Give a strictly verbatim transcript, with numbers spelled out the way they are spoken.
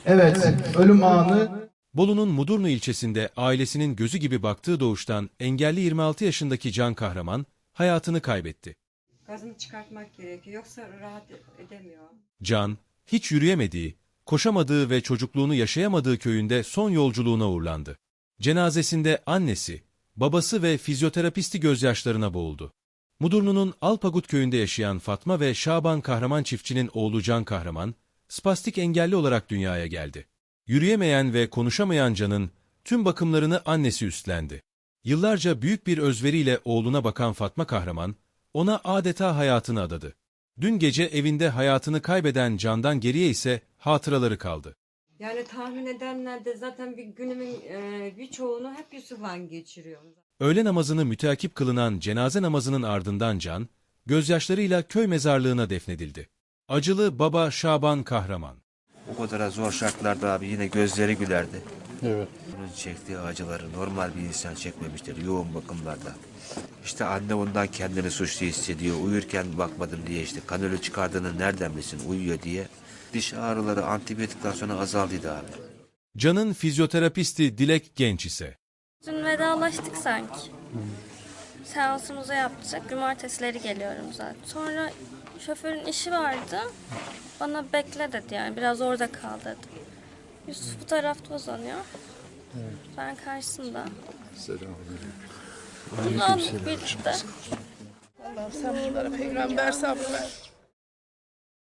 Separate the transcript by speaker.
Speaker 1: Evet, ölüm anı.
Speaker 2: Bolu'nun Mudurnu ilçesinde ailesinin gözü gibi baktığı doğuştan engelli yirmi altı yaşındaki Can Kahraman hayatını kaybetti.
Speaker 3: Gazını çıkartmak gerekiyor, yoksa rahat edemiyor.
Speaker 2: Can, hiç yürüyemediği, koşamadığı ve çocukluğunu yaşayamadığı köyünde son yolculuğuna uğurlandı. Cenazesinde annesi, babası ve fizyoterapisti gözyaşlarına boğuldu. Mudurnu'nun Alpagut köyünde yaşayan Fatma ve Şaban Kahraman çiftçinin oğlu Can Kahraman, spastik engelli olarak dünyaya geldi. Yürüyemeyen ve konuşamayan Can'ın tüm bakımlarını annesi üstlendi. Yıllarca büyük bir özveriyle oğluna bakan Fatma Kahraman, ona adeta hayatını adadı. Dün gece evinde hayatını kaybeden Can'dan geriye ise hatıraları kaldı.
Speaker 3: Yani tahmin edenler de zaten bir günümün e, birçoğunu hep Yusuf'la geçiriyor.
Speaker 2: Öğle namazını müteakip kılınan cenaze namazının ardından Can, gözyaşlarıyla köy mezarlığına defnedildi. Acılı baba Şaban Kahraman.
Speaker 4: O kadar zor şartlarda abi yine gözleri gülerdi.
Speaker 5: Evet.
Speaker 4: Onun çektiği acıları normal bir insan çekmemiştir yoğun bakımlarda. İşte anne ondan kendini suçlu hissediyor. Uyurken bakmadım diye işte kanülü çıkardığını nereden bilsin uyuyor diye. Diş ağrıları antibiyotikten sonra azaldıydı abi.
Speaker 2: Can'ın fizyoterapisti Dilek Genç ise.
Speaker 6: Dün vedalaştık sanki. Seansımızı yaptık. Cumartesileri geliyorum zaten. Sonra şoförün işi vardı. Bana bekle dedi yani. Biraz orada kal dedi. Yusuf bu tarafta uzanıyor. Evet. Ben karşısında.
Speaker 5: Selamünaleyküm.
Speaker 6: Uzandık birlikte.
Speaker 7: Allah'ım sen bunlara peygamber sabrı ver.